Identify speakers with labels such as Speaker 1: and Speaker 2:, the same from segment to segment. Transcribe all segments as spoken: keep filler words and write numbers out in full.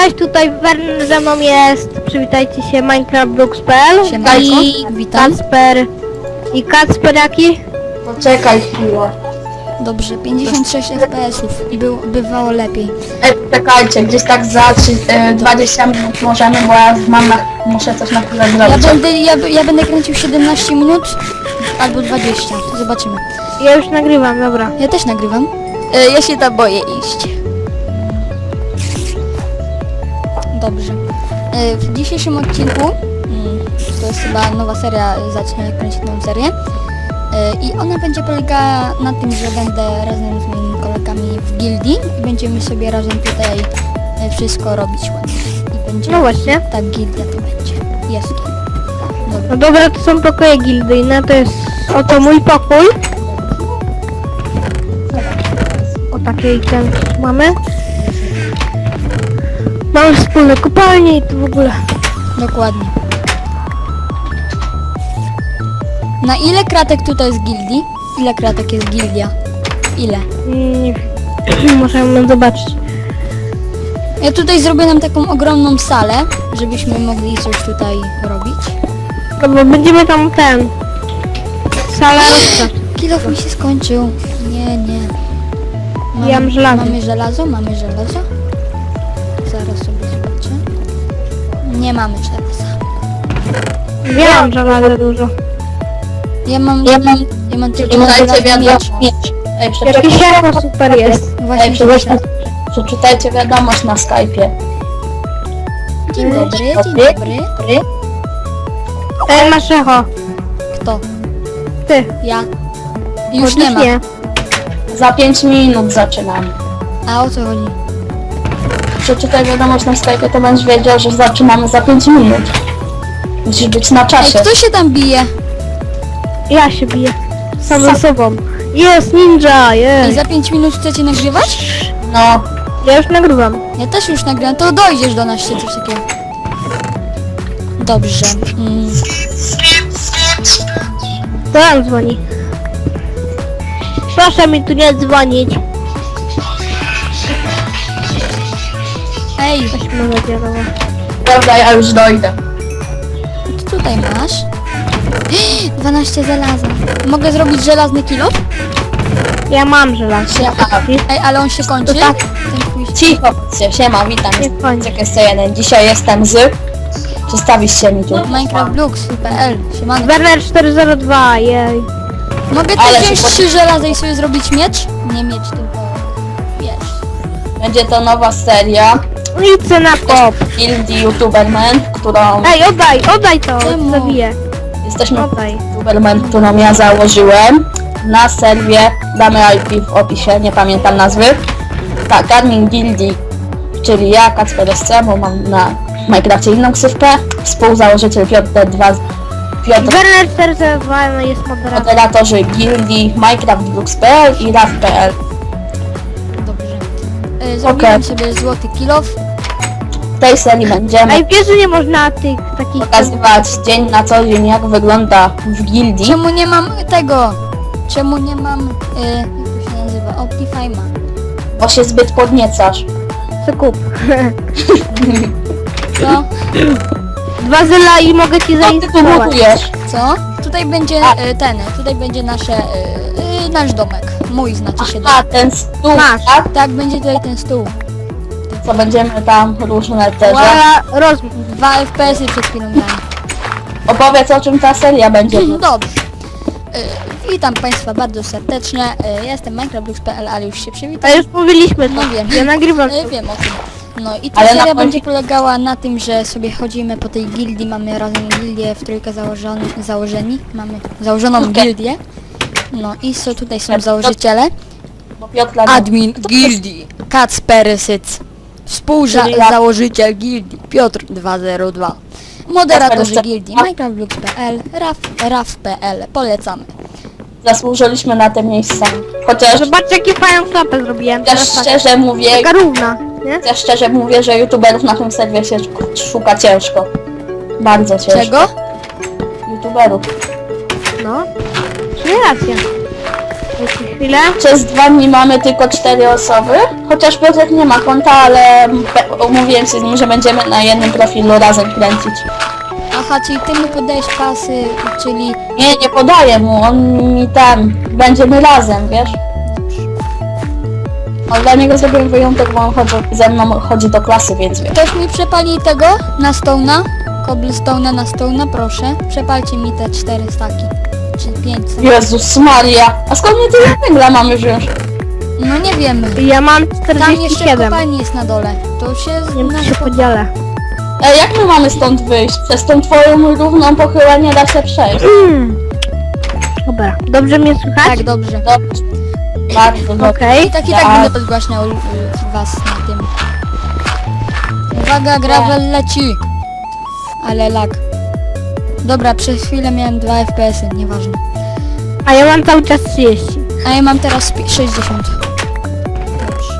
Speaker 1: Cześć, tutaj Werner ze mną jest. Przywitajcie się, Minecraft Brooks kropka p l
Speaker 2: Siemanko,
Speaker 1: i
Speaker 2: witam.
Speaker 1: Kacper. I Kacper jaki?
Speaker 3: Poczekaj chwilę.
Speaker 2: Dobrze, pięćdziesiąt sześć F P S ów i był, bywało lepiej.
Speaker 3: Ej, czekajcie, gdzieś tak za e, dwadzieścia minut możemy, bo ja mam na, muszę coś na chwilę
Speaker 2: Ja
Speaker 3: zrobić.
Speaker 2: będę, ja, ja będę kręcił siedemnaście minut albo dwadzieścia, zobaczymy.
Speaker 1: Ja już nagrywam, dobra.
Speaker 2: Ja też nagrywam. E, ja się tam boję iść. Dobrze. E, w dzisiejszym odcinku, mm, to jest chyba nowa seria, zacznę kręcić nową serię. E, I ona będzie polegała na tym, że będę razem z moimi kolegami w gildii i będziemy sobie razem tutaj e, wszystko robić ładnie. I będzie,
Speaker 1: No właśnie.
Speaker 2: tak, gildia to będzie. Jest gildia. Dobra.
Speaker 1: No dobra, to są pokoje gildyjne, to jest oto mój pokój. O takiej ten mamy. Mamy wspólne kopalnie i to w ogóle.
Speaker 2: Dokładnie. Na ile kratek tutaj jest gildii? Ile kratek jest gildia? Ile?
Speaker 1: Nie wiem. Możemy zobaczyć.
Speaker 2: Ja tutaj zrobię nam taką ogromną salę, żebyśmy mogli coś tutaj robić.
Speaker 1: No bo będziemy tam ten... Salę rozpraw.
Speaker 2: Kilof mi się skończył. Nie, nie. Mam,
Speaker 1: Ja mam żelazo.
Speaker 2: Mamy żelazo? Mamy żelazo? Zaraz sobie zobaczę. Nie mamy żelaza.
Speaker 1: Wiem, że bardzo dużo.
Speaker 2: Ja mam, ja mam, ja mam tylko
Speaker 3: Przeczytajcie
Speaker 2: żelazny
Speaker 3: wiadomość.
Speaker 2: miecz.
Speaker 3: Ej,
Speaker 1: Jakiś
Speaker 3: przeczytajcie,
Speaker 1: jako super jest.
Speaker 2: Właśnie
Speaker 3: ej,
Speaker 2: się
Speaker 3: przeczytajcie,
Speaker 2: muszę-
Speaker 3: przeczytajcie wiadomość na Skype'ie.
Speaker 2: Dzień dobry, dzień dobry.
Speaker 1: Ej, masz echo.
Speaker 2: Kto?
Speaker 1: Ty.
Speaker 2: Ja. Już
Speaker 1: Chociaż
Speaker 2: nie ma.
Speaker 3: Za pięć minut zaczynamy.
Speaker 2: A o co chodzi?
Speaker 3: Przeczytaj wiadomość na Skype'ie, to będziesz wiedział, że zaczynamy za pięć minut. Musisz być na
Speaker 2: Ej,
Speaker 3: czasie.
Speaker 2: kto się tam bije?
Speaker 1: Ja się biję. Sam ze sobą. Jest ninja,
Speaker 2: I
Speaker 1: jest.
Speaker 2: za pięć minut chcecie nagrywać?
Speaker 3: No,
Speaker 1: Ja już nagrywam.
Speaker 2: Ja też już nagrałem, to dojdziesz do nas czy coś takiego. Dobrze. Mm.
Speaker 1: To nam dzwoni. Proszę mi tu nie dzwonić.
Speaker 2: Ej,
Speaker 1: Weźmy zadziałało.
Speaker 3: prawda, ja już dojdę.
Speaker 2: co tutaj masz? dwanaście żelaza. Mogę zrobić żelazny kilo?
Speaker 1: Ja mam żelazo.
Speaker 2: Ej, ale on się kończy?
Speaker 1: To tak.
Speaker 2: Ten twój...
Speaker 3: Cicho, się, siema, witam,
Speaker 1: Nie
Speaker 3: jestem
Speaker 1: kończy.
Speaker 3: Jacek sto jeden. Dzisiaj jestem z... Przedstawisz się mi tu.
Speaker 2: Minecraft Brooks kropka p l. Siemano.
Speaker 1: Werner cztery zero dwa, jej.
Speaker 2: Mogę
Speaker 3: Ale
Speaker 2: też
Speaker 3: się
Speaker 2: wziąć
Speaker 3: pod-
Speaker 2: trzy żelaza i sobie zrobić miecz? Nie miecz, tylko... Wiesz.
Speaker 3: Będzie to nowa seria
Speaker 1: Idź na kop.
Speaker 3: Gildii YouTuberman, którą...
Speaker 1: Ej, oddaj, oddaj to,
Speaker 2: Czemu?
Speaker 1: zabiję.
Speaker 3: Jesteśmy
Speaker 1: Oddaj.
Speaker 3: YouTuberman, którą ja założyłem. Na serwie damy I P w opisie, nie pamiętam nazwy. Tak, admin Gildii, czyli ja, Kacper S C, bo mam na Minecrafcie inną ksywkę. Współzałożyciel Piotr D dwa, Piotr,
Speaker 1: Werner cztery zero dwa jest moderator.
Speaker 3: moderatorzy Gildii, Minecraft Brooks kropka p l i raf kropka p l.
Speaker 2: Dobrze. E, zrobiłem
Speaker 3: Okej.
Speaker 2: sobie złoty kilof.
Speaker 3: W tej serii będziemy
Speaker 1: Ej, wiesz, że nie można tych takich...
Speaker 3: pokazywać dzień na co dzień, jak wygląda w gildii.
Speaker 2: Czemu nie mam tego? Czemu nie mam... E, jak to się nazywa? Optifime'a.
Speaker 3: Bo się zbyt podniecasz.
Speaker 1: Co kup.
Speaker 2: Co?
Speaker 1: Dwa zyla i mogę ci
Speaker 3: Co ty tu
Speaker 1: zainstalować.
Speaker 3: budujesz?
Speaker 2: Co? Tutaj będzie
Speaker 3: A.
Speaker 2: e, ten, tutaj będzie nasze, e, e, nasz domek. Mój znaczy się
Speaker 3: A,
Speaker 2: domek.
Speaker 3: ten stół,
Speaker 1: Masz.
Speaker 3: tak?
Speaker 2: Tak, będzie tutaj ten stół.
Speaker 3: Co będziemy tam różne te rzeczy.
Speaker 1: Ła, rozmów.
Speaker 2: Dwa F P S-y przed chwilą dałem.
Speaker 3: Opowiedz, o czym ta seria będzie.
Speaker 2: Dobrze. E, witam Państwa bardzo serdecznie. E, ja jestem Minecraft Brooks kropka p l, ale już się
Speaker 1: A
Speaker 2: przywitam.
Speaker 1: już mówiliśmy to.
Speaker 2: No wiem.
Speaker 1: Ja nagrywam
Speaker 2: E,
Speaker 1: to.
Speaker 2: wiem o tym. No i ta
Speaker 3: Ale na
Speaker 2: seria
Speaker 3: końcu-
Speaker 2: będzie polegała na tym, że sobie chodzimy po tej gildii, mamy razem gildię w trójkę założony, założeni, mamy założoną
Speaker 3: Okej.
Speaker 2: gildię. No i so, tutaj są założyciele.
Speaker 3: Bo Piotra
Speaker 2: Admin gildii Kacper Syc. Współzałożyciel gildii Piotr dwa zero dwa. Moderatorzy
Speaker 3: Kacper
Speaker 2: gildii
Speaker 3: Syc.
Speaker 2: Minecraft Brooks kropka p l, raf kropka p l. Polecamy.
Speaker 3: zasłużyliśmy na te miejsca. Chociaż
Speaker 1: Zobaczcie, jakie fajną klapę zrobiłem.
Speaker 3: też
Speaker 1: Teraz tak.
Speaker 3: szczerze mówię,
Speaker 1: Taka równa, nie?
Speaker 3: też szczerze mówię, że youtuberów na tym serwie się szuka ciężko. Bardzo ciężko.
Speaker 2: Czego?
Speaker 3: Youtuberów.
Speaker 1: No. Nie racja. Dajcie chwilę.
Speaker 3: Przez dwa dni mamy tylko cztery osoby. Chociaż Piotrek nie ma konta, ale pe- umówiłem się z nim, że będziemy na jednym profilu razem kręcić.
Speaker 2: Aha, czyli ty mu podajesz pasy, czyli...
Speaker 3: Nie, nie podaję mu, on mi tam, będziemy razem, wiesz? Ale dla niego zrobiłem wyjątek, bo on chodzi, ze mną chodzi do klasy, więc wiesz.
Speaker 2: Ktoś mi przepali tego na Stone'a? Cobblestone'a na Stone'a, proszę. Przepalcie mi te cztery staki. Czy pięć staki.
Speaker 3: Jezus Maria, a skąd my tyle węgla mamy wziąć?
Speaker 2: No nie wiemy.
Speaker 1: Ja mam
Speaker 2: Tam
Speaker 1: czterdzieści
Speaker 2: jeszcze
Speaker 1: siedem.
Speaker 2: kopalnia jest na dole. To się...
Speaker 1: Nie wiem, czy się podzielę.
Speaker 3: Ej, jak my mamy stąd wyjść? Przez tą twoją równą pochylę nie da się przejść.
Speaker 1: Mm. Dobra, dobrze mnie słychać?
Speaker 2: Tak, dobrze.
Speaker 3: Dobrze. Bardzo dobrze.
Speaker 1: Okej.
Speaker 2: I tak i tak
Speaker 3: Tak.
Speaker 2: będę podgłaśniał y, was na tym. Uwaga, gravel leci. Ale lag. Dobra, przez chwilę miałem dwa F P S-y, nieważne.
Speaker 1: A ja mam cały czas trzydzieści.
Speaker 2: A ja mam teraz pi- sześćdziesiąt. Dobrze.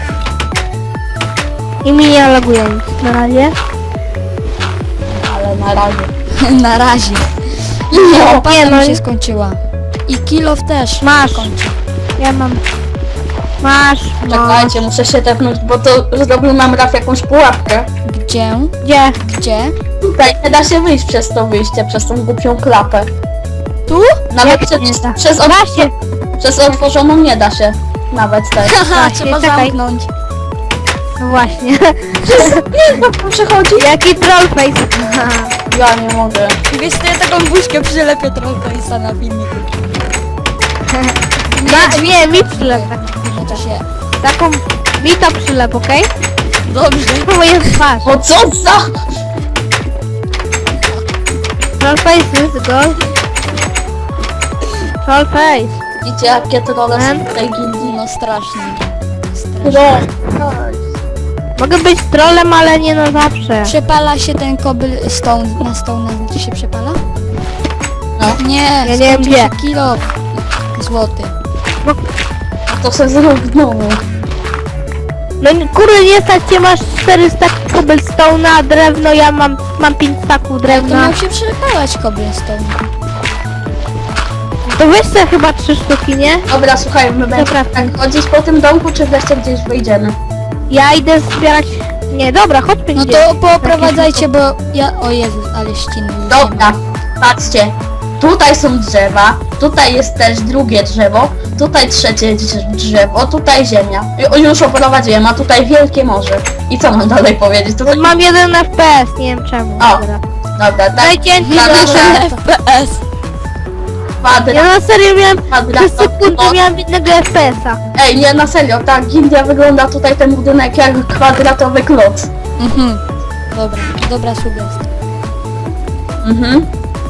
Speaker 1: I mi nie laguje nic na razie.
Speaker 3: Ale na razie.
Speaker 2: Na razie.
Speaker 3: No,
Speaker 2: Opata
Speaker 1: nie, no
Speaker 2: mi się
Speaker 1: nie-
Speaker 2: skończyła. I kilof też
Speaker 1: Masz.
Speaker 2: kończy.
Speaker 1: Ja mam... Masz, masz.
Speaker 3: czekajcie, muszę się tepnąć, bo to zrobił nam Raf jakąś pułapkę.
Speaker 2: Gdzie?
Speaker 1: Gdzie?
Speaker 2: Gdzie?
Speaker 3: Tutaj nie da się wyjść przez to wyjście, przez tą głupią klapę.
Speaker 2: Tu?
Speaker 3: Nawet
Speaker 1: Jak
Speaker 3: przez,
Speaker 1: nie da?
Speaker 3: przez,
Speaker 1: Da
Speaker 3: otw-
Speaker 1: się.
Speaker 3: przez otworzoną nie da się. Nawet tak.
Speaker 2: Haha,
Speaker 1: Właśnie,
Speaker 2: trzeba
Speaker 1: czekaj.
Speaker 2: zamknąć.
Speaker 1: No właśnie.
Speaker 3: Jak przechodzi?
Speaker 1: Jaki trollface.
Speaker 3: Ja nie mogę.
Speaker 2: Wiesz, to ja taką buźkę przylepię trollface'a na filmiku.
Speaker 1: Da, nie, mi przylep.
Speaker 2: No to się...
Speaker 1: Taką... Mi to przylep, okej?
Speaker 2: Dobrze.
Speaker 1: To moja twarz.
Speaker 3: O co za...
Speaker 1: Trollface, go. Trollface.
Speaker 3: Widzicie jakie trolle są
Speaker 1: Em?
Speaker 3: w tej gildii?
Speaker 2: No strasznie. Strasznie.
Speaker 3: Troll.
Speaker 1: Mogę być trollem, ale nie na zawsze.
Speaker 2: Przepala się ten cobblestone na stone, znaczy się przepala?
Speaker 3: No.
Speaker 2: Nie,
Speaker 1: Ja nie wiem
Speaker 2: skończył się
Speaker 1: gdzie.
Speaker 2: kilo złoty.
Speaker 3: To se zrób znowu.
Speaker 1: No nie- kurde, nie stać cię, masz czterysta cobblestone'a, drewno, ja mam, mam pięć staków
Speaker 2: To
Speaker 1: drewna.
Speaker 2: miał się przepalać cobblestone.
Speaker 1: To weź sobie chyba trzy sztuki, nie?
Speaker 3: Dobra, słuchaj, my będziemy
Speaker 1: Dobra.
Speaker 3: tak chodzić po tym domku, czy wreszcie gdzieś wyjdziemy?
Speaker 1: Ja idę zbierać... Nie, dobra, chodźmy
Speaker 2: No
Speaker 1: gdzieś.
Speaker 2: to pooprowadzajcie, bo ja... O Jezus, ale ściny już nie
Speaker 3: Dobra,
Speaker 2: ma.
Speaker 3: patrzcie. Tutaj są drzewa, tutaj jest też drugie drzewo, tutaj trzecie drz- drzewo, tutaj ziemia. Ju- Już oprowadziłem, a tutaj wielkie morze. I co mam dalej powiedzieć? Tutaj...
Speaker 1: Mam jeden F P S, nie wiem czemu.
Speaker 3: O.
Speaker 1: Dobra.
Speaker 3: Dobra, tak.
Speaker 1: Dajcie
Speaker 3: Na
Speaker 1: na
Speaker 3: nasze
Speaker 2: F P S.
Speaker 1: Ja
Speaker 3: kwadrat,
Speaker 1: na serio miałem... Przez
Speaker 3: kwadrat,
Speaker 1: sekundę miałem jednego F P S-a.
Speaker 3: Ej, nie, na serio, ta gildia wygląda tutaj ten budynek jak kwadratowy kloc.
Speaker 2: Mhm. Dobra, dobra sugestia.
Speaker 3: Mhm.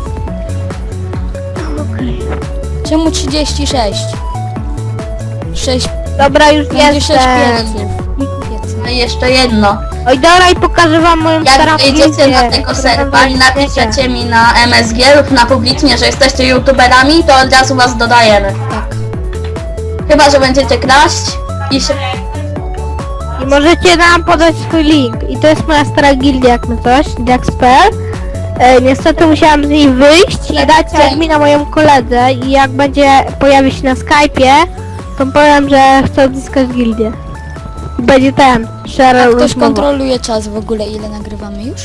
Speaker 2: Czemu trzydzieści sześć? sześć...
Speaker 1: Dobra, już
Speaker 2: Będzie sześć
Speaker 1: jestem.
Speaker 2: pieców. Piece.
Speaker 3: No i jeszcze jedno.
Speaker 1: Oj, dobra, i pokażę wam moją starą
Speaker 3: Jak wejdziecie
Speaker 1: gildię,
Speaker 3: na tego
Speaker 1: którą
Speaker 3: serwa i
Speaker 1: wam
Speaker 3: napiszecie mi na M S G lub na publicznie, że jesteście youtuberami, to od razu was dodajemy.
Speaker 2: Tak.
Speaker 3: Chyba, że będziecie kraść i się...
Speaker 1: I możecie nam podać swój link. I to jest moja stara gildia, jak my coś, jax kropka p l. E, niestety musiałam z niej wyjść i dać admina moją koledze i jak będzie pojawi się na Skype'ie, to powiem, że chcę odzyskać gildię. Będzie ten, share
Speaker 2: A ktoś
Speaker 1: rozmowa.
Speaker 2: kontroluje czas w ogóle, ile nagrywamy już?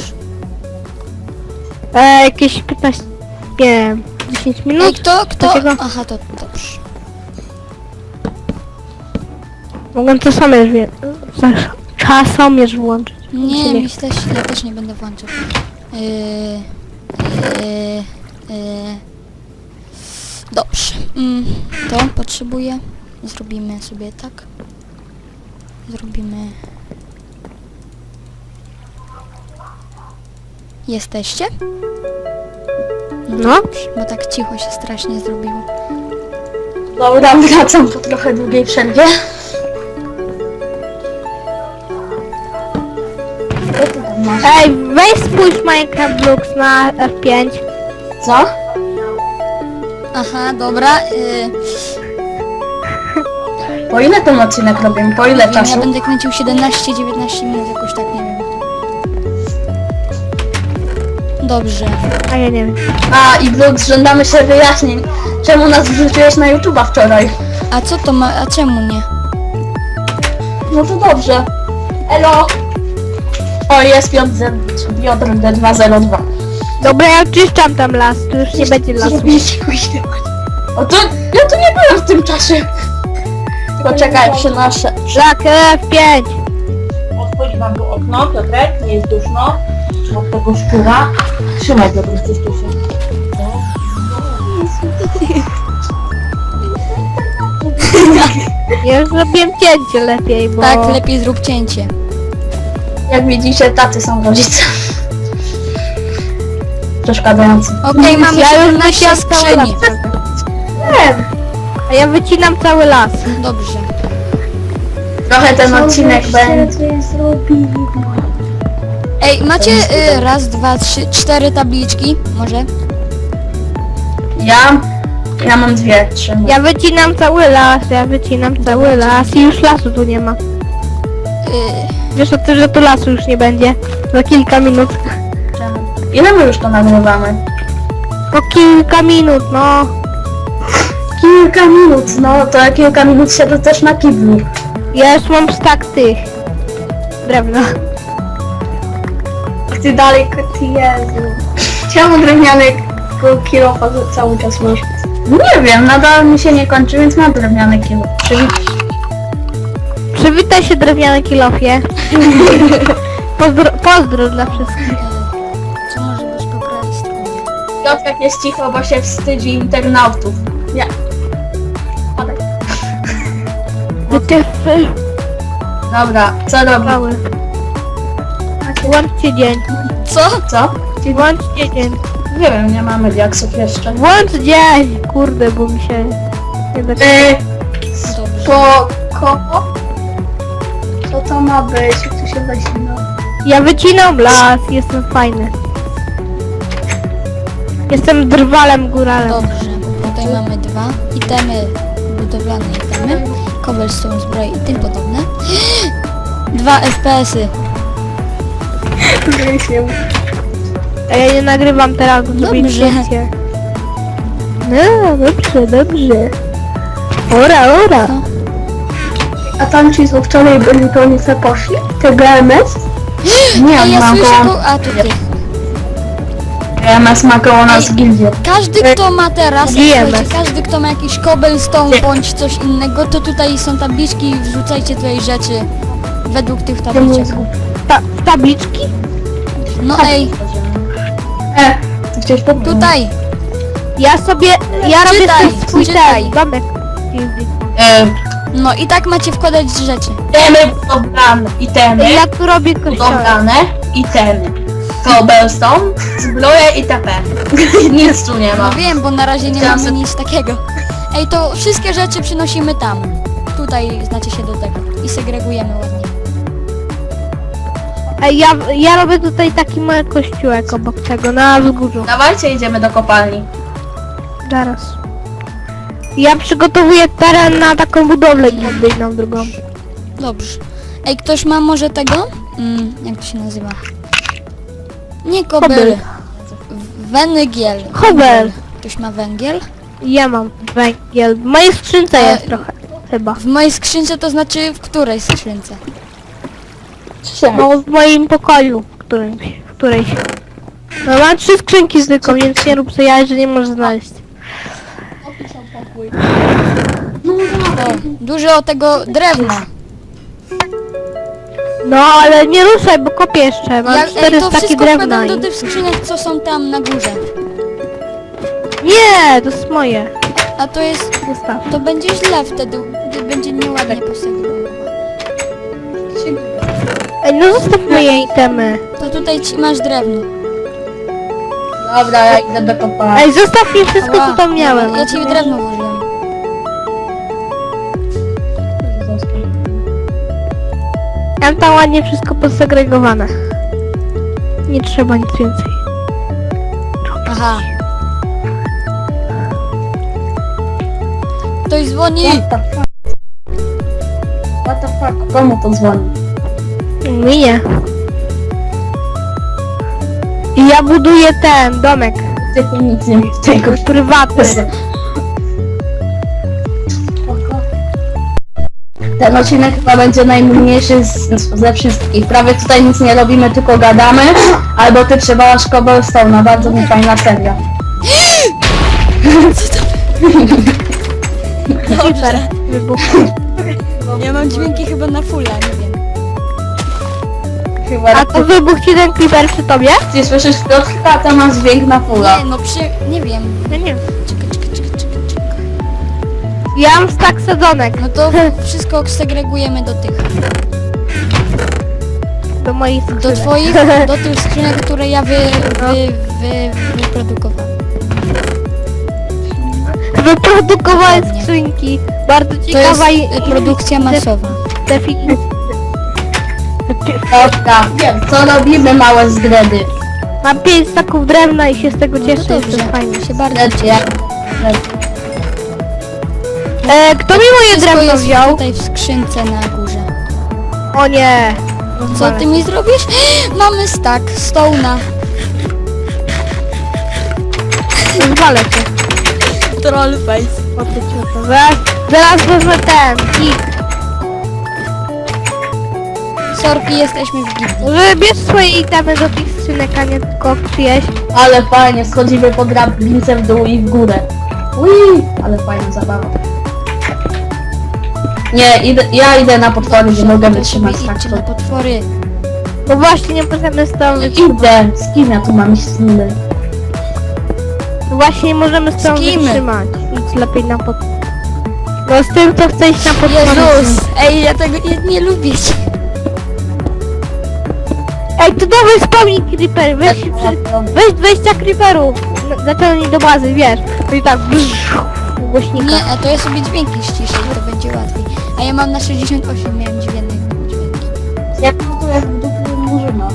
Speaker 1: E, jakieś piętnaście, nie wiem, dziesięć
Speaker 2: Ej,
Speaker 1: minut?
Speaker 2: kto, kto?
Speaker 1: Takiego?
Speaker 2: Aha, to dobrze.
Speaker 1: Mogę to samierz, czasomierz włączyć.
Speaker 2: Nie,
Speaker 1: Czy nie?
Speaker 2: myślę, że ja też nie będę włączał. Yy, yy, yy. Dobrze. Mm, to potrzebuję. Zrobimy sobie tak. Zrobimy... Jesteście?
Speaker 1: No.
Speaker 2: Dobrze, bo tak cicho się strasznie zrobiło.
Speaker 3: Dobra, wracam po trochę długiej przerwie. Co ty tam masz?
Speaker 1: Ej, weź spójrz Minecraft Blocks na F pięć.
Speaker 3: Co?
Speaker 2: Aha, dobra. Yy,
Speaker 3: Po ile ten odcinek robimy? Po ile
Speaker 2: wiem, ja
Speaker 3: czasu?
Speaker 2: będę kręcił siedemnaście dziewiętnaście minut, jakoś tak, nie wiem. Dobrze.
Speaker 1: A ja nie wiem.
Speaker 3: A, i Brooks, żądamy się wyjaśnień. Czemu nas wrzuciłeś na YouTube'a wczoraj?
Speaker 2: A co to ma, a czemu nie?
Speaker 3: No to dobrze. Elo! O, jest Piotr D dwa zero dwa.
Speaker 1: Dobra, ja czyszczam tam las, tu już nie będzie lasu.
Speaker 3: O, to ja tu nie byłem w tym czasie. Poczekaj, przynoszę.
Speaker 1: Tak, F pięć.
Speaker 4: Otwórz wam tu okno, Piotrek, nie jest duszno. Od tego szczura. Trzymaj go, coś tu się.
Speaker 1: Ja już zrobiłem cięcie lepiej, bo...
Speaker 2: Tak, lepiej zrób cięcie.
Speaker 3: Jak widzicie, tacy są rodzice. Przeszkadzający.
Speaker 2: Okej, mamy
Speaker 1: ja już
Speaker 2: siedemnaście
Speaker 1: wyciąłem cały las.
Speaker 2: skrzyni.
Speaker 3: Nie,
Speaker 1: A ja wycinam cały las.
Speaker 2: Dobrze.
Speaker 3: trochę ten odcinek będzie.
Speaker 2: Ej, macie y, raz, dwa, trzy, cztery tabliczki? Może?
Speaker 3: Ja, ja mam dwie, trzy.
Speaker 1: Ja wycinam cały las, ja wycinam cały las i już lasu tu nie ma.
Speaker 2: Y,
Speaker 1: Wiesz o tym, że tu lasu już nie będzie za kilka minut.
Speaker 3: Ile my już to nagrywamy?
Speaker 1: Po kilka minut, no.
Speaker 3: Kilka minut, no to kilka minut siedzę też na kiblu.
Speaker 1: Ja już mam stak tych drewna.
Speaker 3: Ty dalej, ty Jezu. Czemu drewniany kilofa cały czas masz? Nie wiem, nadal mi się nie kończy, więc mam drewniany kilo.
Speaker 1: Przywitaj się, drewniane kilofie. Pozdro, pozdro dla wszystkich.
Speaker 2: y, co może być po prawej stronie?
Speaker 3: Piotrek jest cicho, bo się wstydzi internautów. Nie. Padaj.
Speaker 1: Wytyfy
Speaker 3: Dobra, co robisz?
Speaker 1: mały. Włączcie dzień.
Speaker 2: Co?
Speaker 3: Co?
Speaker 1: Włączcie dzień.
Speaker 3: Nie wiem, nie mamy diaksów jeszcze.
Speaker 1: Włącz dzień! Kurde, bo mi się nie da...
Speaker 3: Yy,
Speaker 2: Dobrze.
Speaker 3: po koło? Co to ma być? Jak tu się zasina?
Speaker 1: Ja wycinam las, jestem fajny. Jestem drwalem góralem.
Speaker 2: Dobrze. Tutaj mamy dwa itemy budowlane itemy. Cobblestone, zbroje i tym podobne. Dwa F P S y.
Speaker 1: A ja nie nagrywam teraz, bo zrobię
Speaker 2: Dobrze.
Speaker 1: zdjęcie. No, dobrze, dobrze. Ora, ora.
Speaker 3: A tam ci co wczoraj byli, to oni se poszli? Te G M S? Nie,
Speaker 2: A ja
Speaker 3: mam
Speaker 2: słyszę
Speaker 3: koło...
Speaker 2: go... A, tu ty.
Speaker 3: G M S ma koło nas
Speaker 2: Ej.
Speaker 3: gildię.
Speaker 2: Każdy, kto ma teraz,
Speaker 1: G M S.
Speaker 2: słuchajcie, każdy, kto ma jakiś cobblestone bądź coś innego, to tutaj są tabliczki i wrzucajcie tutaj rzeczy według tych tabliczek.
Speaker 1: Ta, tabliczki?
Speaker 2: No ej,
Speaker 3: E, ty chciałeś powiedzieć?
Speaker 2: tutaj,
Speaker 1: Ja sobie, ja robię
Speaker 2: Czytaj,
Speaker 1: sobie swój
Speaker 2: czytaj.
Speaker 1: ten domek.
Speaker 3: E,
Speaker 2: no i tak macie wkładać rzeczy.
Speaker 3: itemy budowlane, itemy
Speaker 1: Ja tu robię kościołek.
Speaker 3: budowlane, itemy. Cobblestone, zbroje itp. Nic tu nie ma.
Speaker 2: No wiem, bo na razie nie
Speaker 3: Chciałam
Speaker 2: mamy
Speaker 3: sobie-
Speaker 2: nic takiego. Ej, to wszystkie rzeczy przynosimy tam. Tutaj znacie się do tego i segregujemy ładnie.
Speaker 1: Ej, ja, ja robię tutaj taki mały kościółek obok tego, na wzgórzu.
Speaker 3: Dawajcie, idziemy do kopalni.
Speaker 1: Zaraz. Ja przygotowuję teren na taką budowlę gildyjną drugą.
Speaker 2: Dobrze. Ej, ktoś ma może tego? Mm, jak to się nazywa? Nie kobyl.
Speaker 1: Kobyl.
Speaker 2: Węgiel.
Speaker 1: Kobel.
Speaker 2: Ktoś ma węgiel?
Speaker 1: Ja mam węgiel. W mojej skrzynce
Speaker 2: E,
Speaker 1: jest trochę. Chyba.
Speaker 2: W mojej skrzynce to znaczy w której skrzynce?
Speaker 1: No w moim pokoju, którymś, w którejś. No mam trzy skrzynki zwykłą, więc nie rób sobie jaj, że nie możesz znaleźć.
Speaker 2: O, dużo tego drewna.
Speaker 1: No ale nie ruszaj, bo kopię jeszcze. Mam
Speaker 2: Jak, ej,
Speaker 1: cztery
Speaker 2: to
Speaker 1: staki
Speaker 2: wszystko
Speaker 1: drewna
Speaker 2: wkładam do
Speaker 1: i...
Speaker 2: tych skrzynek, co są tam na górze.
Speaker 1: Nie, to jest moje.
Speaker 2: A to jest...
Speaker 1: Zostaw.
Speaker 2: To będzie źle wtedy, gdy będzie nieładnie posegregowane.
Speaker 1: Ej, no zostaw moje itemy.
Speaker 2: To tutaj ci masz drewno.
Speaker 3: Dobra, ja idę do kopalni.
Speaker 1: Ej, zostaw mi wszystko,
Speaker 2: Ała,
Speaker 1: co tam miałem.
Speaker 2: Ja ci drewno włożyłem.
Speaker 1: Ja mam tam ładnie wszystko posegregowane. Nie trzeba nic więcej.
Speaker 2: Aha. Ktoś dzwoni.
Speaker 3: What the fuck? What the fuck? Komu to dzwoni?
Speaker 1: Mi nie. I ja buduję ten domek
Speaker 3: Ty tu nic nie w tego.
Speaker 1: prywatny.
Speaker 3: Ten odcinek chyba będzie najmniejszy z, ze wszystkich. Prawie tutaj nic nie robimy, tylko gadamy. Albo ty trzeba Cobblestone'a, bardzo mi fajna seria.
Speaker 1: Super. Wybuch.
Speaker 2: Ja mam dźwięki chyba na fulla, nie wiem.
Speaker 3: Chyba
Speaker 1: A to wybuch ci ten creeper przy tobie?
Speaker 3: ty słyszysz Piotrka, a to ma dźwięk na fulla.
Speaker 2: Nie, no przy... nie wiem.
Speaker 1: Ja nie wiem.
Speaker 2: Czekaj, czekaj, czekaj, czekaj, czekaj.
Speaker 1: Ja mam stak sadzonek
Speaker 2: No to wszystko segregujemy do tych.
Speaker 1: do moich
Speaker 2: Do
Speaker 1: skrzynek.
Speaker 2: twoich, do tych skrzynek, które ja wy, wy, wy, wyprodukowałem.
Speaker 1: Wyprodukowałem
Speaker 2: Dokładnie.
Speaker 1: skrzynki. Bardzo
Speaker 2: To
Speaker 1: ciekawa
Speaker 2: jest y, produkcja masowa.
Speaker 1: definicja.
Speaker 3: Dobra, co robimy małe zgredy?
Speaker 1: Mam pięć staków drewna i się z tego
Speaker 2: No
Speaker 1: cieszę,
Speaker 2: to
Speaker 1: jest
Speaker 2: dobrze,
Speaker 1: to fajnie.
Speaker 2: się bardzo
Speaker 3: Zgredy,
Speaker 2: cieszę.
Speaker 3: jak...
Speaker 1: E, kto mi moje
Speaker 2: Wszystko
Speaker 1: drewno
Speaker 2: jest
Speaker 1: wziął?
Speaker 2: tutaj w skrzynce na górze.
Speaker 1: O nie.
Speaker 2: Co ty mi zrobisz? Mamy stack stone'a.
Speaker 1: Zwalę cię.
Speaker 2: Troll face.
Speaker 1: O ty cioto. Zaraz, zaraz wezmę ten. I
Speaker 2: Sorki, jesteśmy w gildii.
Speaker 1: wybierz swoje itemy do tych skrzynek, a nie tylko przyjeść.
Speaker 3: Ale fajnie, schodzimy po drabince w dół i w górę. Ui, ale fajna zabawa. Nie, idę, ja idę na potwory, nie mogę
Speaker 2: To
Speaker 3: wytrzymać
Speaker 2: sobie
Speaker 3: tak
Speaker 2: idźcie
Speaker 3: to.
Speaker 2: na potwory.
Speaker 1: No właśnie, nie możemy z tą wytrzymać.
Speaker 3: Idę, z kim ja tu mam iść z nimi?
Speaker 1: No właśnie, nie możemy z tą
Speaker 2: Z kim?
Speaker 1: wytrzymać. Idź lepiej na pod... No z tym, co chce iść na potwory.
Speaker 2: Jezus! Ej, ja tego nie, nie lubię.
Speaker 1: Ej, to dawaj spełnij creeper, weź, się przy... weź dwadzieścia creeperów. No, zaciągnij do bazy, wiesz. To i tak brrr, głośnika.
Speaker 2: Nie, a to ja sobie dźwięki ściszę i to będzie łatwiej. A ja mam na sześćdziesiąt osiem, miałem dźwięki. dźwięki.
Speaker 3: Ja tu jak w dupie murzyna.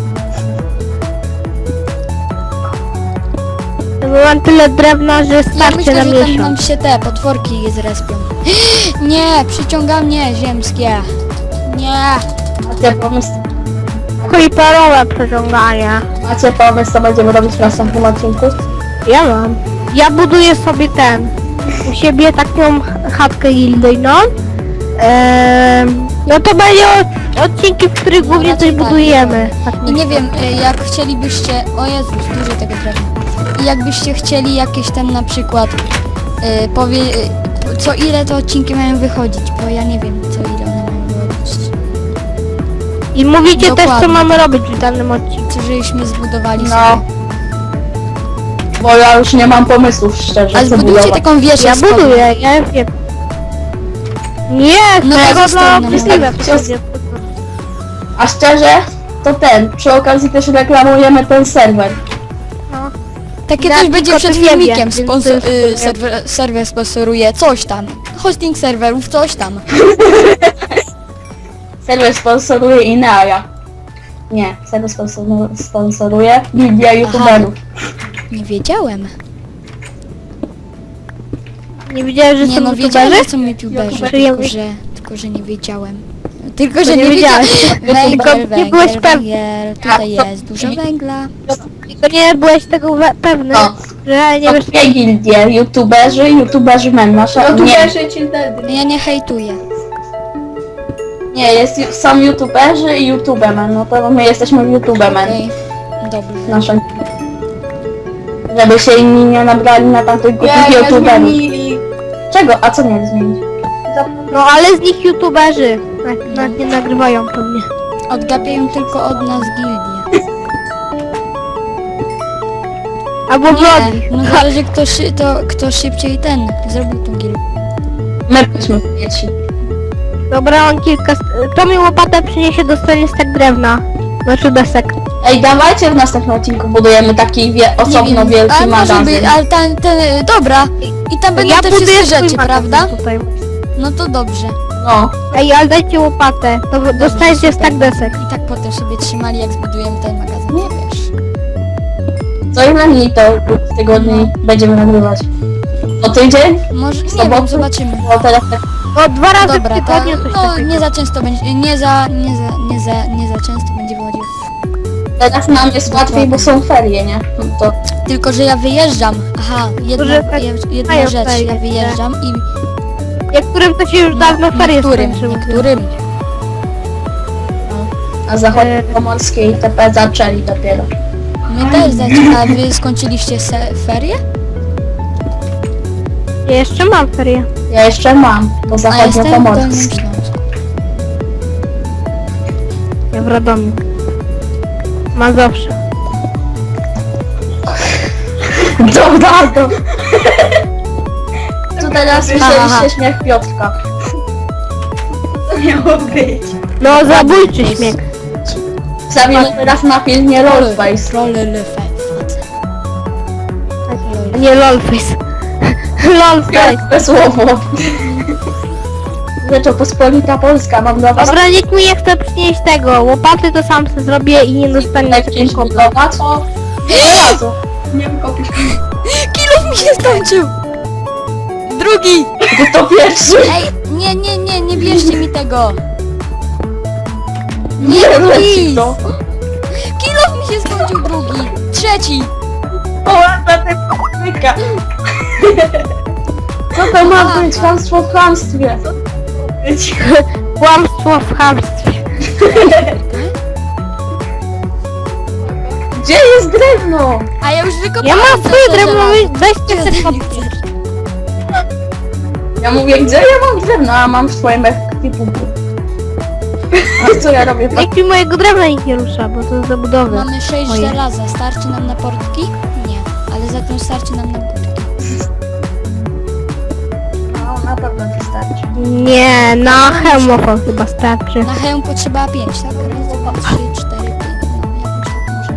Speaker 1: No, bo mam tyle drewna, że
Speaker 2: Ja
Speaker 1: starczy
Speaker 2: myślę,
Speaker 1: na
Speaker 2: że tam nam
Speaker 1: miesiąc.
Speaker 2: się te potworki zrespią. Nie, przyciąga mnie ziemskie. Nie.
Speaker 3: Macie pomysł,
Speaker 1: Creeperowe przeciąganie.
Speaker 3: macie pomysł, co będziemy robić w następnym odcinku?
Speaker 1: Ja mam. Ja buduję sobie ten, u siebie taką chatkę gildyjną. Ehm, no to będzie odcinki, w których głównie coś
Speaker 2: raczej tak,
Speaker 1: budujemy. Tak
Speaker 2: I nie wiem, y, jak chcielibyście... O Jezus, dużo tego drewna. I jakbyście chcieli jakieś tam na przykład... Y, powie... Y, co ile te odcinki mają wychodzić, bo ja nie wiem, co ile one mają wychodzić.
Speaker 1: I mówicie też, co
Speaker 2: Dokładnie.
Speaker 1: mamy robić w danym odcinku.
Speaker 2: Co żeśmy zbudowali
Speaker 3: No.
Speaker 2: sobie.
Speaker 3: Bo ja już nie mam pomysłów szczerze,
Speaker 2: A
Speaker 3: co
Speaker 2: zbudujcie
Speaker 3: budować.
Speaker 2: taką wieżę
Speaker 1: Ja
Speaker 2: z kołem.
Speaker 1: buduję, ja wiem. Nie,
Speaker 2: No
Speaker 1: to
Speaker 2: to
Speaker 1: tego
Speaker 2: zostań
Speaker 1: dla
Speaker 2: na
Speaker 1: obrzydliwe
Speaker 3: moim.
Speaker 1: będzie.
Speaker 3: A szczerze, to ten, przy okazji też reklamujemy ten serwer.
Speaker 1: No.
Speaker 2: Takie
Speaker 1: Ja
Speaker 2: coś
Speaker 1: tylko
Speaker 2: będzie
Speaker 1: to
Speaker 2: przed
Speaker 1: nie wiem,
Speaker 2: filmikiem.
Speaker 1: więc
Speaker 2: Sponsor,
Speaker 1: to jest-
Speaker 2: y, serwer, serwer sponsoruje coś tam. Hosting serwerów, coś tam.
Speaker 3: Serwer sponsoruje Inara. Nie, serwer sponsor- sponsoruje Gildia YouTuberów.
Speaker 2: Nie wiedziałem.
Speaker 1: Nie widziałeś, że
Speaker 2: Nie
Speaker 1: są
Speaker 2: no, wiedziałem,
Speaker 1: youtuberzy?
Speaker 2: że są youtuberzy,
Speaker 1: YouTuberzy.
Speaker 2: tylko że, tylko że nie wiedziałem. Tylko, że
Speaker 1: nie
Speaker 2: nie wiedziałem.
Speaker 1: wiedziałeś. Tylko
Speaker 2: Węgiel,
Speaker 1: nie byłeś
Speaker 2: węgiel,
Speaker 1: pewny.
Speaker 2: węgiel. Tutaj jest dużo węgla.
Speaker 1: Tylko nie byłeś tego we- pewny,
Speaker 3: No.
Speaker 1: że nie
Speaker 3: Są
Speaker 1: wiesz...
Speaker 3: dwie gildie, YouTuberzy, YouTuberzy men. Nasza, nie,
Speaker 2: Ja nie hejtuję.
Speaker 3: nie, jest, są YouTuberzy i YouTubemen. No to my jesteśmy YouTubemen.
Speaker 2: Okej, dobrze.
Speaker 3: Nasza. Żeby się inni nie nabrali na tamtych głupich YouTuberów. Czego? A co mieli zmienić?
Speaker 1: No ale z nich youtuberzy nawet, nawet nie nagrywają pewnie.
Speaker 2: Odgapiają tylko od nas gildię.
Speaker 1: Albo vlogi.
Speaker 2: Nie, no zależy kto, szy, to, kto szybciej ten zrobił tą gildię.
Speaker 3: My byliśmy pierwsi.
Speaker 1: Dobra, on kilka... st- Kto mi łopatę przyniesie, dostanie stek drewna. Znaczy desek.
Speaker 3: Ej, dawajcie w następnym odcinku budujemy taki wie, osobno wielki
Speaker 2: ale może
Speaker 3: magazyn.
Speaker 2: być, ale ten, ten, dobra. I tam będą
Speaker 1: Ja
Speaker 2: te
Speaker 1: buduję
Speaker 2: wszystkie
Speaker 1: swój
Speaker 2: rzeczy,
Speaker 1: magazyn
Speaker 2: prawda?
Speaker 1: Tutaj.
Speaker 2: No to dobrze.
Speaker 3: No.
Speaker 1: Ej, ale dajcie łopatę, to wy- dostajecie
Speaker 2: super.
Speaker 1: stek desek.
Speaker 2: I tak potem sobie trzymali, jak zbudujemy ten magazyn, nie wiesz.
Speaker 3: Co ile dni to w tygodni będziemy nagrywać? O tydzień?
Speaker 2: Może, nie
Speaker 3: Soboty?
Speaker 2: wiem, zobaczymy.
Speaker 3: Bo teraz tak...
Speaker 1: No dwa razy
Speaker 2: Dobra,
Speaker 1: w tygodniu coś
Speaker 2: no
Speaker 1: takiego.
Speaker 2: nie za często będzie, nie za, nie za, nie za, nie za często będzie wychodził.
Speaker 3: Teraz nam jest łatwiej, bo są ferie, nie? No to
Speaker 2: Tylko, że ja wyjeżdżam. Aha, jedna,
Speaker 1: Może tak
Speaker 2: je- jedna
Speaker 1: mają
Speaker 2: rzecz,
Speaker 1: ferie,
Speaker 2: ja
Speaker 1: nie?
Speaker 2: wyjeżdżam i
Speaker 1: Niektórym to się już dawno ferie
Speaker 2: niektórym,
Speaker 1: skończyły.
Speaker 2: niektórym.
Speaker 3: na zachodniej pomorskiej T P zaczęli dopiero.
Speaker 2: My też zaczynamy. A wy skończyliście se- ferie?
Speaker 1: Ja jeszcze mam ferie.
Speaker 3: Ja jeszcze mam, bo
Speaker 2: A jestem w
Speaker 3: zachodnio-pomorskiej.
Speaker 2: Dolnym Śląsku.
Speaker 1: Ja w Radomiu. Mazowsze.
Speaker 3: Dobra, to... Tu teraz
Speaker 1: Aha.
Speaker 3: słyszeliście śmiech Piotrka.
Speaker 4: Co miało być?
Speaker 1: No zabójczy śmiech.
Speaker 3: Wstawimy teraz na filmie Rollface.
Speaker 2: Rollface.
Speaker 1: A nie lolface. Lolface.
Speaker 3: Piąte słowo. Rzeczopospolita Polska, mam dla was
Speaker 1: Dobra, nikt mi nie chce przynieść tego. Łopaty to sam sobie zrobię i nie dostanie
Speaker 3: jakieś
Speaker 1: takiego kobla.
Speaker 3: budowa, co? Nie razu.
Speaker 4: Nie wykopisz.
Speaker 2: Kilof mi się skończył! Drugi!
Speaker 3: To pierwszy.
Speaker 2: Ej, nie, nie, nie, nie bierzcie mi tego!
Speaker 3: Nie
Speaker 2: Nie,
Speaker 3: leci
Speaker 2: please!
Speaker 3: to.
Speaker 2: Kilof mi się skończył drugi! Trzeci!
Speaker 4: O, na tym myka.
Speaker 3: Co to ma być? Chamstwo w chamstwie.
Speaker 1: Kłamstwo w chamstwie.
Speaker 3: Gdzie jest drewno?
Speaker 2: A ja już wykopałem
Speaker 1: Ja mam
Speaker 2: to
Speaker 1: swoje
Speaker 2: żelazo.
Speaker 1: drewno, weźcie
Speaker 2: Czego
Speaker 1: sobie
Speaker 2: ty
Speaker 1: pod...
Speaker 2: nie chcesz?
Speaker 3: Ja mówię, gdzie ja mam drewno, a mam w swoim ekwipunku. A co ja robię?
Speaker 1: Nikt mi mojego drewna nikt nie rusza, bo to jest zabudowy.
Speaker 2: Mamy sześć
Speaker 1: Moje.
Speaker 2: żelaza. Starczy nam na portki? Nie. Ale za to starczy nam na budki.
Speaker 3: No, na pewno ci starczy.
Speaker 1: Nie, na hełmofon chyba starczy.
Speaker 2: Na hełm potrzeba pięć, tak? Raz, dwa, trzy, cztery, pięć. No, jakoś tak może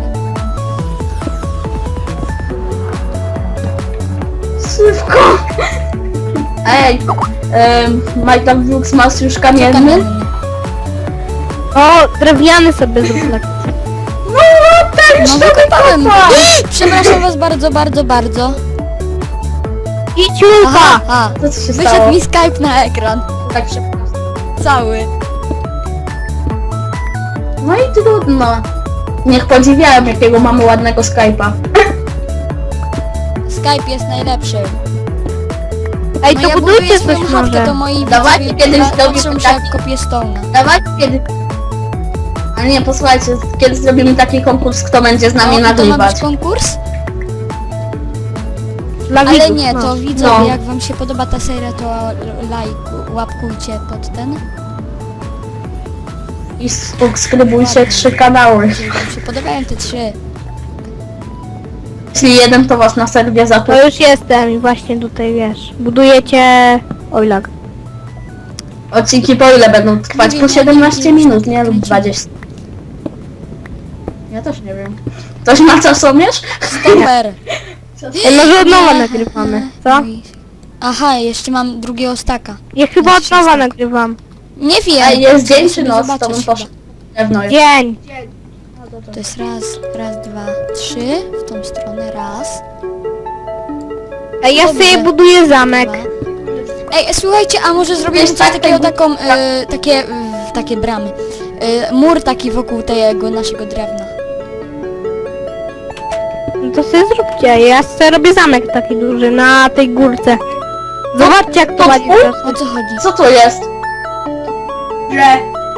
Speaker 2: nie.
Speaker 3: Szybko! Ej, um, Michael Brooks masz już kamienny?
Speaker 2: Kamienny.
Speaker 1: O, drewniany sobie zrób lekko.
Speaker 3: No, tak, już
Speaker 2: No
Speaker 3: to
Speaker 2: wykopałem.
Speaker 3: wykopa!
Speaker 2: Przepraszam was bardzo, bardzo, bardzo.
Speaker 1: Idź
Speaker 2: Aha,
Speaker 1: Julka!
Speaker 2: a.
Speaker 3: Co ci się
Speaker 2: Wyszedł
Speaker 3: stało?
Speaker 2: mi Skype na ekran.
Speaker 3: Tak szybko.
Speaker 2: Cały.
Speaker 3: No i trudno. Niech podziwiają, jakiego mamy ładnego Skype'a.
Speaker 2: Skype jest najlepszy.
Speaker 1: Ej,
Speaker 2: No
Speaker 1: to
Speaker 2: ja
Speaker 1: budujcie
Speaker 2: buduję
Speaker 1: coś
Speaker 2: swoją chatkę,
Speaker 1: może.
Speaker 2: to moi
Speaker 3: Dawajcie
Speaker 2: widzowie
Speaker 3: kiedyś
Speaker 2: pa-
Speaker 3: zrobimy
Speaker 2: patrzą się
Speaker 3: taki-
Speaker 2: jak kopię stone'a.
Speaker 3: Dawajcie kiedy... Ale nie, posłuchajcie, kiedy zrobimy taki konkurs, kto będzie z nami
Speaker 2: No, i to ma
Speaker 3: nagrywać.
Speaker 2: być konkurs?
Speaker 1: Dla
Speaker 2: Ale
Speaker 1: widzów,
Speaker 2: nie,
Speaker 1: no.
Speaker 2: to widzowie,
Speaker 3: No.
Speaker 2: jak wam się podoba ta seria, to lajk, łapkujcie pod ten.
Speaker 3: I subskrybujcie trzy kanały.
Speaker 2: Jeżeli wam się podobają te trzy.
Speaker 3: Jeśli jeden to was na serwie zakupi.
Speaker 1: To już jestem i właśnie tutaj wiesz. Budujecie... Oj lag.
Speaker 3: Odcinki po ile będą trwać?
Speaker 2: Nie
Speaker 3: Po
Speaker 2: wiem,
Speaker 3: siedemnaście
Speaker 2: ja nie wiem,
Speaker 3: minut, nie? Lub dwadzieścia. Ja też nie wiem. Ktoś ma czasomierz?
Speaker 2: Stoper!
Speaker 1: Ej, może od nowa nagrywamy, co?
Speaker 2: Aha, jeszcze mam drugiego staka.
Speaker 1: Ja chyba od nowa nagrywam.
Speaker 2: Nie wiem!
Speaker 3: Ej, jest dzień czy
Speaker 2: sobie
Speaker 3: noc? To
Speaker 2: zobaczysz
Speaker 3: bym
Speaker 2: chyba.
Speaker 3: poszedł. Pewno jest.
Speaker 1: Dzień.
Speaker 2: To jest raz, raz, dwa, trzy. W tą stronę raz.
Speaker 1: Ej, ja
Speaker 2: Dobrze.
Speaker 1: sobie buduję zamek.
Speaker 2: Dwa. Ej, słuchajcie, a może zrobimy
Speaker 3: Jest
Speaker 2: coś
Speaker 3: tak,
Speaker 2: takiego,
Speaker 3: tak,
Speaker 2: taką, e, takie, e, takie bramy. E, mur taki wokół tego naszego drewna.
Speaker 1: No to sobie zróbcie. Ja sobie robię zamek taki duży na tej górce. Zobaczcie jak to
Speaker 3: to
Speaker 1: ładnie
Speaker 3: twój?
Speaker 1: teraz.
Speaker 2: O co chodzi?
Speaker 3: Co to jest?
Speaker 4: Że...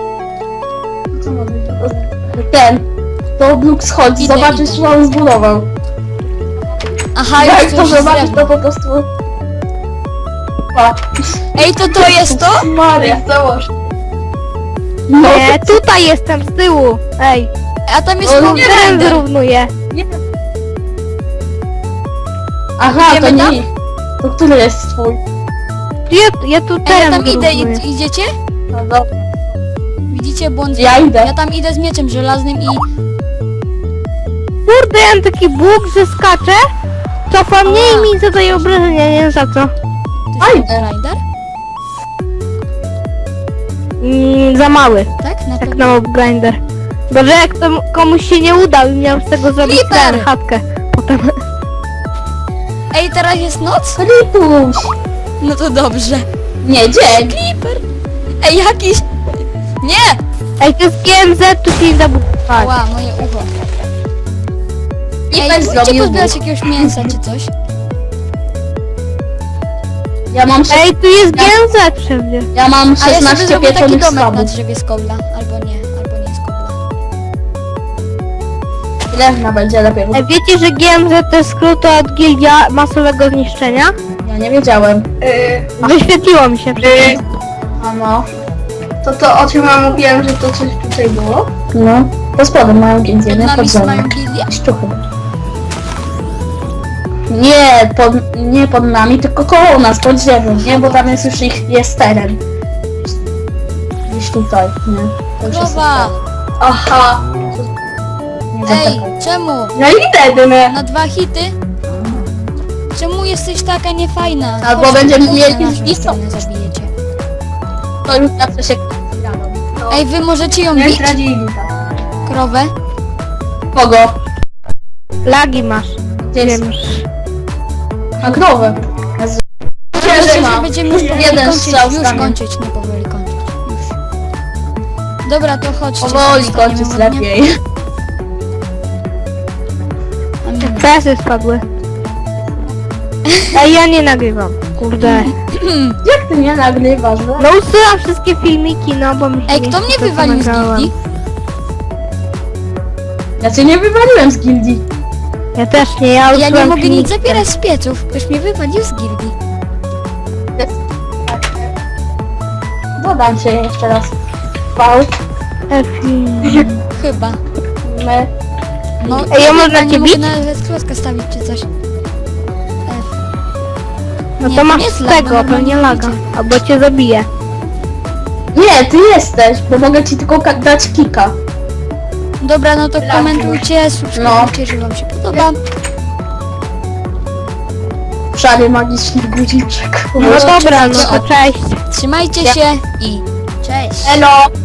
Speaker 3: Ten. To Bluk schodzi,
Speaker 2: Idę,
Speaker 3: zobaczysz,
Speaker 2: idę.
Speaker 3: co on zbudował.
Speaker 2: Aha,
Speaker 3: Jak
Speaker 2: już
Speaker 3: to
Speaker 2: to już
Speaker 3: zobaczysz,
Speaker 2: drewno.
Speaker 3: to po prostu... Pa.
Speaker 2: Ej, to to jest to?
Speaker 3: Maria.
Speaker 4: Założ.
Speaker 3: No,
Speaker 1: Nie, tutaj jestem z tyłu. Ej,
Speaker 2: A tam jest
Speaker 3: O,
Speaker 2: no,
Speaker 3: nie
Speaker 1: teren
Speaker 2: grinder.
Speaker 1: zrównuję.
Speaker 3: aha, to
Speaker 2: Idziemy tam?
Speaker 3: nie. To który jest twój?
Speaker 1: Ja, ja tu
Speaker 2: Ej, ja
Speaker 1: teren
Speaker 2: tam idę,
Speaker 1: zrównuję.
Speaker 2: id- idziecie?
Speaker 3: No dobra.
Speaker 2: Widzicie błąd?
Speaker 3: Ja idę.
Speaker 2: Ja tam idę z mieczem żelaznym i...
Speaker 1: Kurde, ja mam taki bóg, że skaczę. Cofa mnie i mi zadaje obrażenia, nie wiem za co.
Speaker 2: To
Speaker 3: Aj.
Speaker 2: jest grinder?
Speaker 1: Mm, za mały,
Speaker 2: Tak? Na
Speaker 1: jak
Speaker 2: pewno.
Speaker 1: na mob grinder. Bo że jak to komuś się nie udał i miał z tego zrobić
Speaker 2: Creeper!
Speaker 1: ten, chatkę. Potem.
Speaker 2: Ej, teraz jest noc?
Speaker 3: Ripuś.
Speaker 2: No to dobrze.
Speaker 3: Nie, dzień.
Speaker 2: Creeper! Ej, jakiś... Nie!
Speaker 1: Ej, to jest G M Z, tu się nie da budować.
Speaker 2: Ła, moje ucho.
Speaker 3: I
Speaker 2: Ej,
Speaker 3: też
Speaker 2: pójdźcie
Speaker 3: zrobił
Speaker 2: pozbierać
Speaker 3: buch.
Speaker 2: jakiegoś mięsa czy coś.
Speaker 3: Ja mam, sze-
Speaker 1: Ej, tu jest G M Z wszędzie.
Speaker 3: ja mam
Speaker 2: A ja sobie
Speaker 3: szesnaście
Speaker 2: zrobię taki
Speaker 3: pieczonych
Speaker 2: domek na
Speaker 3: schabów.
Speaker 2: drzewie z kobla. Albo nie, albo nie z kobla.
Speaker 3: Drewna będzie lepiej.
Speaker 1: Ej, wiecie, że G M Z to jest skrót od Gildia Masowego Zniszczenia?
Speaker 3: Ja nie wiedziałem.
Speaker 4: Yy,
Speaker 1: Wyświetliło mi się przecież.
Speaker 3: A no.
Speaker 4: to to o czym ja mówiłem, że to coś tutaj było?
Speaker 3: No. Pod spodem mają gildię,
Speaker 2: Pod
Speaker 3: nie
Speaker 2: nami
Speaker 3: pod ziemią.
Speaker 2: mają gildię?
Speaker 3: Szczuchy. Nie, pod, nie pod nami, tylko koło nas, pod ziemią, nie? Bo tam jest już ich, jest teren. Gdzieś tutaj, nie? To już jest
Speaker 2: Krowa!
Speaker 4: Aha.
Speaker 3: nie
Speaker 2: Ej,
Speaker 3: zaczekaj.
Speaker 2: czemu?
Speaker 4: No i wtedy, no.
Speaker 2: Na dwa hity? Czemu jesteś taka niefajna?
Speaker 3: Albo
Speaker 2: Chodź,
Speaker 3: będziemy
Speaker 2: chodź
Speaker 3: mieli
Speaker 2: na naszą
Speaker 3: listą.
Speaker 2: stronę, zabijecie.
Speaker 3: To już zawsze się jadą.
Speaker 2: Ej, wy możecie ją
Speaker 4: Nie
Speaker 2: bić?
Speaker 4: zdradzili tak.
Speaker 2: Krowę?
Speaker 3: Kogo?
Speaker 1: Lagi masz.
Speaker 3: Gdzie jest?
Speaker 1: Wiem już.
Speaker 3: Na krowę.
Speaker 2: Myślę, że
Speaker 3: ma.
Speaker 2: będziemy już powoli
Speaker 3: Jeden
Speaker 2: kończyć,
Speaker 3: strzał
Speaker 2: już
Speaker 3: stanie.
Speaker 2: kończyć, nie powoli kończyć. Już. Dobra, to chodźcie.
Speaker 3: Powoli
Speaker 2: zostaniemy
Speaker 3: kończyć
Speaker 2: ładnie.
Speaker 3: lepiej.
Speaker 2: Mm.
Speaker 1: Pesy spadły. Ej, ja nie nagrywam. Kurde.
Speaker 3: Jak ty mnie nagrywasz, no?
Speaker 1: No usuwam wszystkie filmiki, no bo mi się
Speaker 2: Ej,
Speaker 1: nie
Speaker 2: kto
Speaker 1: chce,
Speaker 2: mnie
Speaker 1: to
Speaker 2: wywalił z
Speaker 1: nagrałam.
Speaker 2: gildii?
Speaker 3: Ja cię nie wywaliłem z gildii.
Speaker 1: Ja też nie, ja
Speaker 2: Ja nie
Speaker 1: usuwam
Speaker 2: mogę nic
Speaker 1: filmiki.
Speaker 2: zabierać z pieców. Ktoś mnie wywalił z gildii.
Speaker 3: Dodam cię jeszcze raz. V,
Speaker 1: Efi.
Speaker 2: Chyba.
Speaker 3: my.
Speaker 2: No,
Speaker 1: Ej, ja można
Speaker 2: nie
Speaker 1: cię
Speaker 2: mogę
Speaker 1: bić?
Speaker 2: nawet klocka stawić czy coś. F.
Speaker 1: No
Speaker 2: Nie,
Speaker 1: to
Speaker 2: to
Speaker 1: masz
Speaker 2: nie jest
Speaker 1: z
Speaker 2: lag,
Speaker 1: tego,
Speaker 2: normalnie
Speaker 1: pewnie laga.
Speaker 2: idzie.
Speaker 1: Albo cię zabije.
Speaker 3: Nie, ty jesteś, bo mogę ci tylko ka- dać kika.
Speaker 2: Dobra, no to komentujcie, subskrybujcie, jeżeli wam się podoba.
Speaker 3: Szary magiczny guziczek.
Speaker 1: No dobra, no to cześć.
Speaker 2: Trzymajcie się i cześć!
Speaker 3: Elo!